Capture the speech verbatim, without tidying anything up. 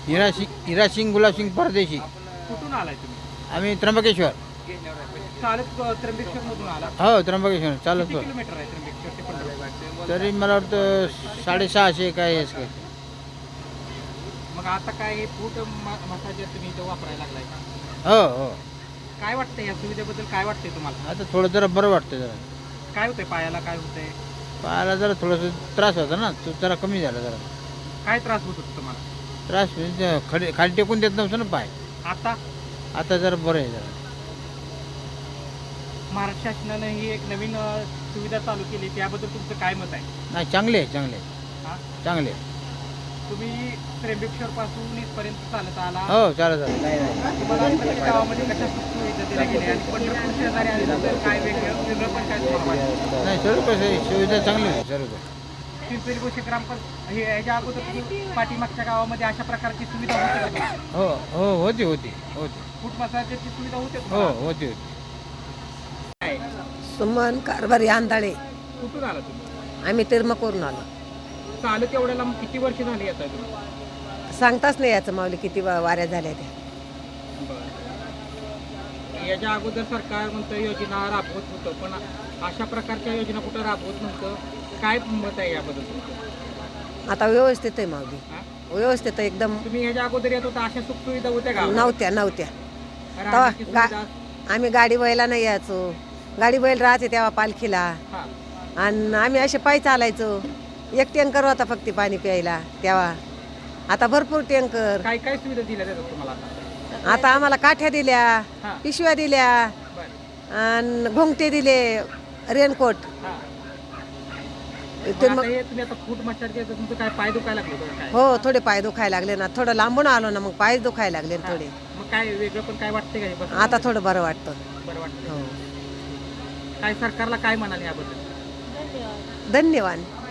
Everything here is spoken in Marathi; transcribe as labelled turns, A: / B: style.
A: हिरा सिंग हिरा सिंग गुलाब सिंग परदेशी.
B: कुठून आलाय तुम्ही?
A: आम्ही त्र्यंबकेश्वर.
B: चालत त्र्यंबकेश्वर मधून आला?
A: हो त्र्यंबकेश्वर चालत.
B: किती किलोमीटर आहे त्र्यंबकेश्वर ते पंढरपूर?
A: तरी मला वाटतं साडेसहाशे काय हेच काय.
B: मग आता काय हे फूट मसाज तुम्ही इथं वापरायला लागलाय का?
A: हो हो.
B: काय वाटतंय या सुविधेबद्दल, काय वाटतंय तुम्हाला?
A: आता थोडं जरा बरं वाटतं जरा.
B: काय होतंय पायाला, काय होतंय?
A: पायाला जरा थोडंसं त्रास होता ना, तो जरा कमी झाला जरा.
B: काय त्रास होत होता तुम्हाला?
A: त्रास म्हणजे खडी खाली टेकून देत नव्हतं ना पाय.
B: आता
A: आता जरा बरं आहे जरा.
B: महाराष्ट्र शासनानं ही एक नवीन अ, सुविधा चालू केली, त्याबद्दल तुमचं काय मत आहे?
A: नाही चांगले आहे चांगले आहे,
B: हा?
A: चांगले आहे.
B: तुम्ही त्र्यंबकेश्वर पासून इथपर्यंत चालत आला,
A: हो चालेल चालेल काही नाही.
B: तुम्हाला प्रत्येक गावामध्ये कशा सुविधा दिल्या गेल्या आणि पंढरपूर शेजारी आल्यानंतर काय वेगळं वेगळं पण काय तुम्हाला वाटतं?
A: नाही सर्व कसं आहे सुविधा चांगली आहे सर्व.
B: पिंपरी गोष्टी ग्रामपंचायत हे याच्या अगोदर तुम्ही पाठीमागच्या गावामध्ये अशा प्रकारची सुविधा होती का तुम्हाला?
A: हो हो होती होती होती.
B: फूट मसाजची सुविधा होते
A: हो
B: तुम्हाला?
A: होती होती.
B: काय?
C: सुमन कारभारी आंधळे.
B: कुठून आला तुम्ही?
C: आम्ही तिरमकवरून आलो.
B: चालत एवढ्याला मग किती वर्ष झाली येत आहे तुम्ही?
C: सांगताच नाही याचं माऊली किती वा- वाऱ्या झाल्या त्या.
B: बरं. याच्या अगोदर सरकार म्हणतं योजना राबवत होतं, पण अशा प्रकारच्या योजना कुठं राबवत नव्हतं. काय मत आहे याबद्दल तुमचं?
C: आता व्यवस्थित आहे माऊली,
B: हा?
C: व्यवस्थित आहे एकदम.
B: तुम्ही ह्याच्या अगोदर येत होता, अशा सुखसुविधा होत्या का?
C: नव्हत्या नव्हत्या तेव्हा
B: राहण्याची
C: गा
B: सुविधा?
C: आम्ही गाडी बैला नाही यायचो. गाडी बैल राहते तेव्हा पालखीला,
B: हा.
C: आणि आम्ही असे पायी चालायचो. एक टँकर होता फक्त पाणी प्यायला तेव्हा. आता भरपूर टँकर.
B: काय काय सुविधा दिल्या जातात तुम्हाला आता?
C: आता आम्हाला काठ्या दिल्या,
B: हा.
C: पिशव्या दिल्या,
B: बरं.
C: आणि घोंगटे दिले, रेनकोट.
B: हा.
C: ते
B: मग
C: मग
B: आता हे तुम्ही आता फूट मसाज केलं, तुमचं काय पाय दुखायला लागले होते का काय?
C: हो थोडे पाय दुखायला लागले ना, थोडं लांबून आलो ना, मग पाय दुखायला लागले ना थोडे.
B: मग काय वेगळं पण काय वाटते का हे बसून?
C: आता थोडं बरं वाटतं.
B: बरं वाटतं.
C: हो
B: काय सरकारला काय म्हणाले याबद्दल?
C: धन्यवाद.